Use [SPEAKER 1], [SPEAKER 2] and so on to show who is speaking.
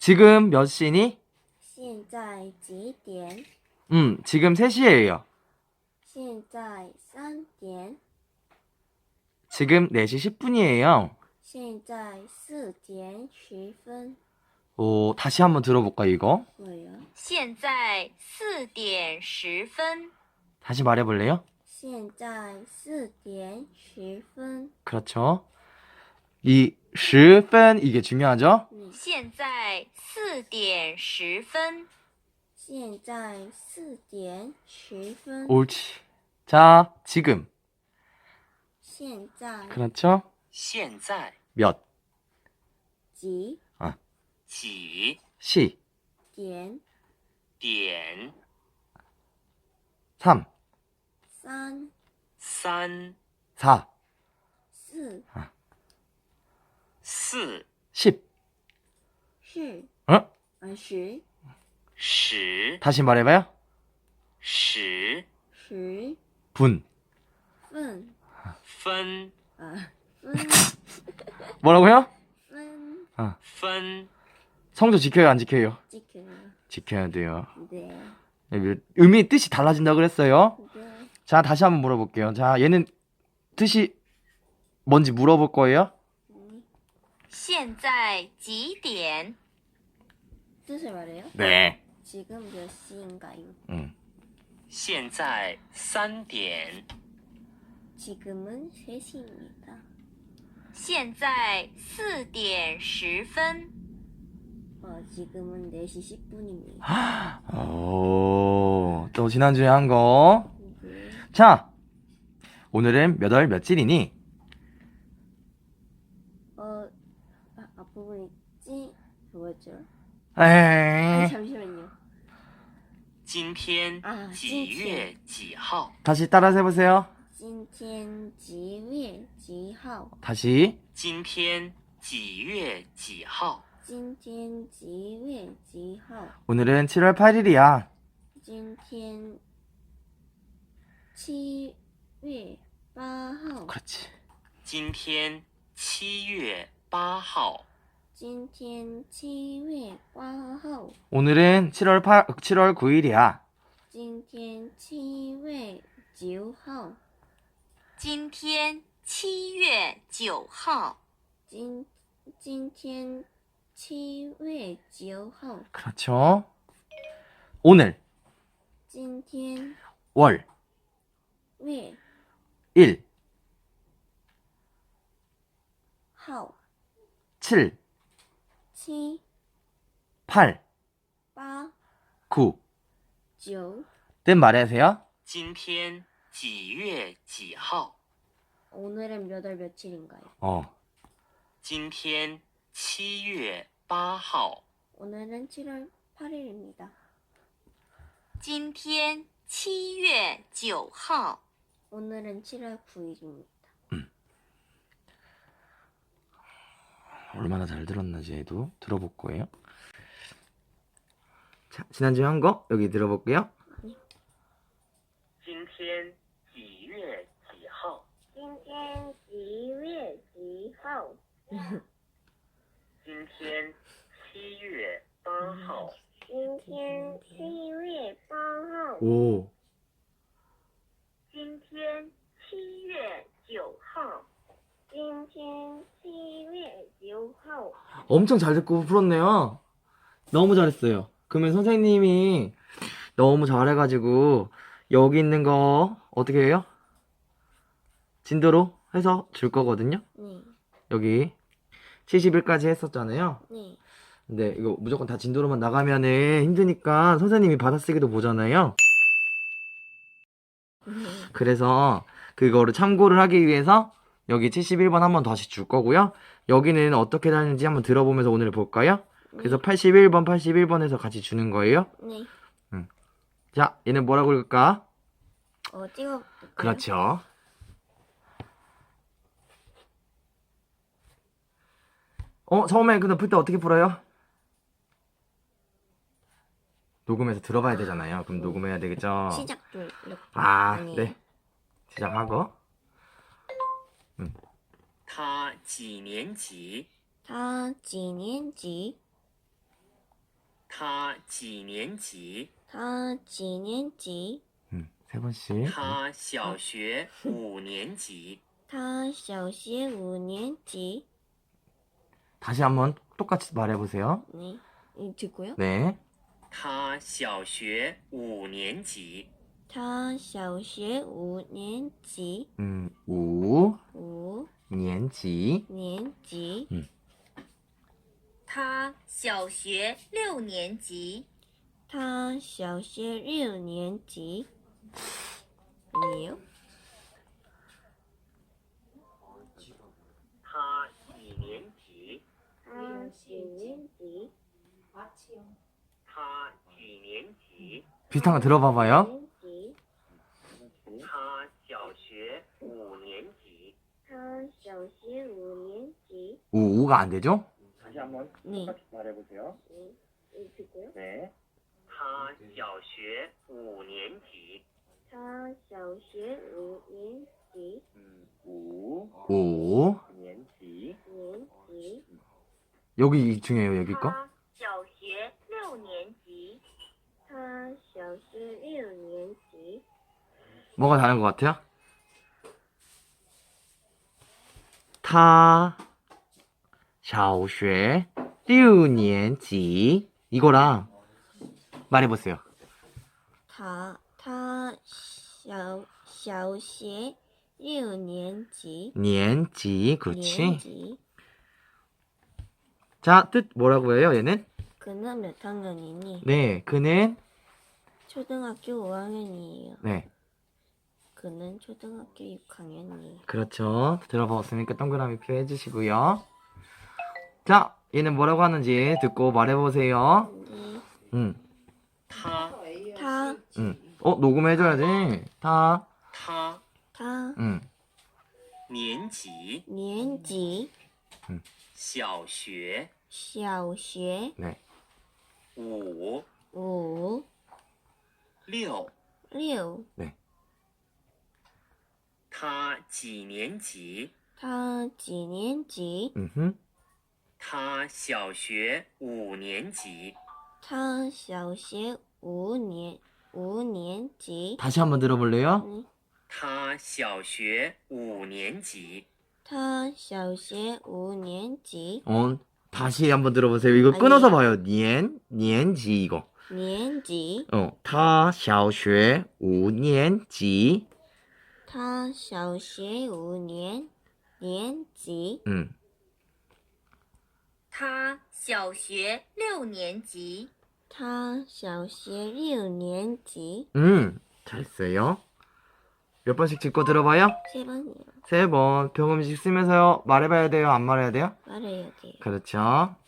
[SPEAKER 1] 지금 몇 시니?
[SPEAKER 2] 现在几点？
[SPEAKER 1] 지금 3시예요.
[SPEAKER 2] 现在3点。
[SPEAKER 1] 지금 4시 10분이에요.
[SPEAKER 2] 现在4点10分。
[SPEAKER 1] 오, 다시 한번 들어볼까 이거?
[SPEAKER 2] 뭐예요?
[SPEAKER 3] 现在4点10分。
[SPEAKER 1] 다시 말해볼래요?
[SPEAKER 2] 现在4点10分。
[SPEAKER 1] 그렇죠. 이 10분 이게 중요하죠?
[SPEAKER 3] 现在4点10分。
[SPEAKER 2] 现在4点10分。
[SPEAKER 1] 옳지. 자, 지금.
[SPEAKER 2] 现在
[SPEAKER 1] 그렇죠?
[SPEAKER 4] 现在
[SPEAKER 1] 몇,
[SPEAKER 2] 几
[SPEAKER 4] 几
[SPEAKER 1] 시,
[SPEAKER 2] 点
[SPEAKER 4] 点
[SPEAKER 1] 3,
[SPEAKER 2] 3、
[SPEAKER 4] 3
[SPEAKER 1] 4,
[SPEAKER 2] 4、
[SPEAKER 4] 4
[SPEAKER 1] 10.
[SPEAKER 2] 是
[SPEAKER 1] 어?
[SPEAKER 2] 10、
[SPEAKER 4] 10
[SPEAKER 1] 다시 말해봐요.
[SPEAKER 4] 10
[SPEAKER 2] 10
[SPEAKER 1] 분.
[SPEAKER 2] 分
[SPEAKER 4] 分
[SPEAKER 2] 分
[SPEAKER 1] 뭐라고요?
[SPEAKER 2] 分
[SPEAKER 4] 分
[SPEAKER 1] 성조 지켜요, 안 지켜요?
[SPEAKER 2] 지켜요.
[SPEAKER 1] 지켜야 돼요.
[SPEAKER 2] 네.
[SPEAKER 1] 의미 뜻이 달라진다 그랬어요.
[SPEAKER 2] 네.
[SPEAKER 1] 자, 다시 한번 물어볼게요. 자, 얘는 뜻이 뭔지 물어볼 거예요.
[SPEAKER 3] 现在几点？
[SPEAKER 2] 뜻을 말해요?
[SPEAKER 1] 네.
[SPEAKER 2] 지금 몇 시인가요?
[SPEAKER 4] 现在3点
[SPEAKER 2] 지금은 3시입니다.
[SPEAKER 3] 现在4点10分。
[SPEAKER 2] 지금은 4시 10분입니다.
[SPEAKER 1] 오, 또 지난주에 한 거.
[SPEAKER 2] 네.
[SPEAKER 1] 자, 오늘은 몇 월 며칠이니?
[SPEAKER 2] 앞부분이 뭐였죠?
[SPEAKER 1] 에이.
[SPEAKER 2] 잠시만요.
[SPEAKER 4] 今天
[SPEAKER 2] 啊
[SPEAKER 4] 几月几号
[SPEAKER 1] 다시 따라서 해보세요.
[SPEAKER 2] 今天几月几号?
[SPEAKER 1] 다시.
[SPEAKER 4] 今天几月几号
[SPEAKER 2] 今天几月几号?
[SPEAKER 1] 오늘은 7월 8일이야.
[SPEAKER 2] 今天7月8号.
[SPEAKER 1] 그렇지.
[SPEAKER 4] 今天7月8号
[SPEAKER 2] 今天7月8号.
[SPEAKER 1] 오늘은 7월 9일이야.
[SPEAKER 2] 今天7月9号.
[SPEAKER 3] 今天7月9号。
[SPEAKER 2] 今天7月9号.
[SPEAKER 1] 그렇죠. 오늘
[SPEAKER 2] 今天
[SPEAKER 1] 월
[SPEAKER 2] 月
[SPEAKER 1] 1,
[SPEAKER 2] 号
[SPEAKER 1] 7,
[SPEAKER 2] 7
[SPEAKER 1] 8,
[SPEAKER 2] 8
[SPEAKER 1] 9.
[SPEAKER 2] 9.
[SPEAKER 1] 뜻 말하세요.
[SPEAKER 4] 今天几月几号
[SPEAKER 2] 오늘은 몇 월 며칠인가요?
[SPEAKER 4] 今天7月8号
[SPEAKER 2] 오늘은 7월 8일입니다.
[SPEAKER 3] 今天7月9号。
[SPEAKER 2] 오늘은 7월 9일입니다.
[SPEAKER 1] 얼마나 잘 들었는지도 들어볼 거예요. 자, 지난주에 한 거 여기 들어볼게요.
[SPEAKER 4] 今天几月几号
[SPEAKER 2] 今天几月几号?
[SPEAKER 4] 今天7月8号
[SPEAKER 2] 今天7月8号.
[SPEAKER 1] 오,
[SPEAKER 4] 今天7月9号
[SPEAKER 2] 今天7月9号.
[SPEAKER 1] 엄청 잘 듣고 풀었네요. 너무 잘했어요. 그러면 선생님이 너무 잘해가지고 여기 있는 거 어떻게 해요? 진도로 해서 줄 거거든요.
[SPEAKER 2] 네.
[SPEAKER 1] 여기 70일까지 했었잖아요.
[SPEAKER 2] 네.
[SPEAKER 1] 근데 이거 무조건 다 진도로만 나가면은 힘드니까 선생님이 받아쓰기도 보잖아요. 그래서 그거를 참고를 하기 위해서 여기 71번 한번 다시 줄 거고요. 여기는 어떻게 다니는지 한번 들어보면서 오늘 볼까요? 그래서 81번에서 같이 주는 거예요.
[SPEAKER 2] 네.
[SPEAKER 1] 자, 얘는 뭐라고 읽을까?
[SPEAKER 2] 찍어볼까요?
[SPEAKER 1] 그렇죠. 처음에 근데 풀 때 어떻게 풀어요? 녹음해서 들어봐야 되잖아요. 그럼 녹음해야 되겠죠?
[SPEAKER 2] 시작도 이렇게.
[SPEAKER 1] 아,
[SPEAKER 2] 아니에요?
[SPEAKER 1] 네. 시작하고.
[SPEAKER 4] 他几年级
[SPEAKER 2] 他几年级?
[SPEAKER 4] 他几年级？
[SPEAKER 2] 他几年级？
[SPEAKER 1] 세 번씩.
[SPEAKER 4] 他小学5年级。
[SPEAKER 2] 他小学5年级.
[SPEAKER 1] 다시 한번 똑같이 말해보세요.
[SPEAKER 2] 네. 듣고요.
[SPEAKER 1] 네.
[SPEAKER 4] 他小学5年级。
[SPEAKER 2] 他小学5年级.
[SPEAKER 1] 5年级.
[SPEAKER 2] 年级.
[SPEAKER 3] 他小学6年级。
[SPEAKER 2] 他小学6年级. 아니에요?
[SPEAKER 4] 他几年级？
[SPEAKER 2] 他几年级?
[SPEAKER 4] 他几年级？
[SPEAKER 1] 비슷한 거 들어봐봐요.
[SPEAKER 2] 年级.
[SPEAKER 4] 他小学5年级。
[SPEAKER 2] 他小学5年级.
[SPEAKER 1] 5가 안 되죠?
[SPEAKER 4] 다시 한번
[SPEAKER 2] 네.
[SPEAKER 4] 똑같이 말해보세요.
[SPEAKER 2] 듣고요.
[SPEAKER 4] 네. 他小学5年级。
[SPEAKER 2] 他小学5年级.
[SPEAKER 1] 5
[SPEAKER 4] 年级。
[SPEAKER 2] 年级.
[SPEAKER 1] 여기 중요해요, 여기 거.
[SPEAKER 3] 他小学6年级。
[SPEAKER 2] 他小学6年级.
[SPEAKER 1] 뭐가 다른 것 같아요? 他小学6年级 이거랑 말해보세요.
[SPEAKER 2] 他小学6年级.
[SPEAKER 1] 年级 그렇지.
[SPEAKER 2] 年级.
[SPEAKER 1] 자, 뜻 뭐라고 해요, 얘는?
[SPEAKER 2] 그는 몇 학년이니?
[SPEAKER 1] 네, 그는
[SPEAKER 2] 초등학교 5학년이에요.
[SPEAKER 1] 네,
[SPEAKER 2] 그는 초등학교 6학년이에요.
[SPEAKER 1] 그렇죠. 들어봤으니까 동그라미 표 해주시고요. 자, 얘는 뭐라고 하는지 듣고 말해보세요.
[SPEAKER 2] 네.
[SPEAKER 1] 응,
[SPEAKER 4] 他
[SPEAKER 2] 타,
[SPEAKER 1] 응. 녹음해줘야지. 다,
[SPEAKER 4] 他
[SPEAKER 2] 타,
[SPEAKER 1] 응.
[SPEAKER 4] 年级
[SPEAKER 2] 年级,
[SPEAKER 4] 小学
[SPEAKER 2] 小学
[SPEAKER 1] 네,
[SPEAKER 4] 5
[SPEAKER 2] 5,
[SPEAKER 4] 6。
[SPEAKER 2] 6.
[SPEAKER 4] 他几年级？
[SPEAKER 2] 他几年级?
[SPEAKER 1] 음,
[SPEAKER 4] 他小学5年级。
[SPEAKER 2] 他小学5年级.
[SPEAKER 1] 다시 한번 들어볼래요?
[SPEAKER 2] 네.
[SPEAKER 4] 他小学5年级。
[SPEAKER 2] 他小学5年级.
[SPEAKER 1] 다시 한번 들어보세요. 이거
[SPEAKER 2] 아니에요.
[SPEAKER 1] 끊어서 봐요. 年지 이거.
[SPEAKER 2] 年级.
[SPEAKER 1] 他小学5年级.
[SPEAKER 2] 他小学5年级.
[SPEAKER 3] 他小学6年级。
[SPEAKER 2] 他小学6年级.
[SPEAKER 1] 잘했어요. 몇 번씩 짚고 들어봐요?
[SPEAKER 2] 3번이요.
[SPEAKER 1] 3번. 병음식 쓰면서요. 말해봐야 돼요? 안 말해야 돼요?
[SPEAKER 2] 말해야 돼요.
[SPEAKER 1] 그렇죠.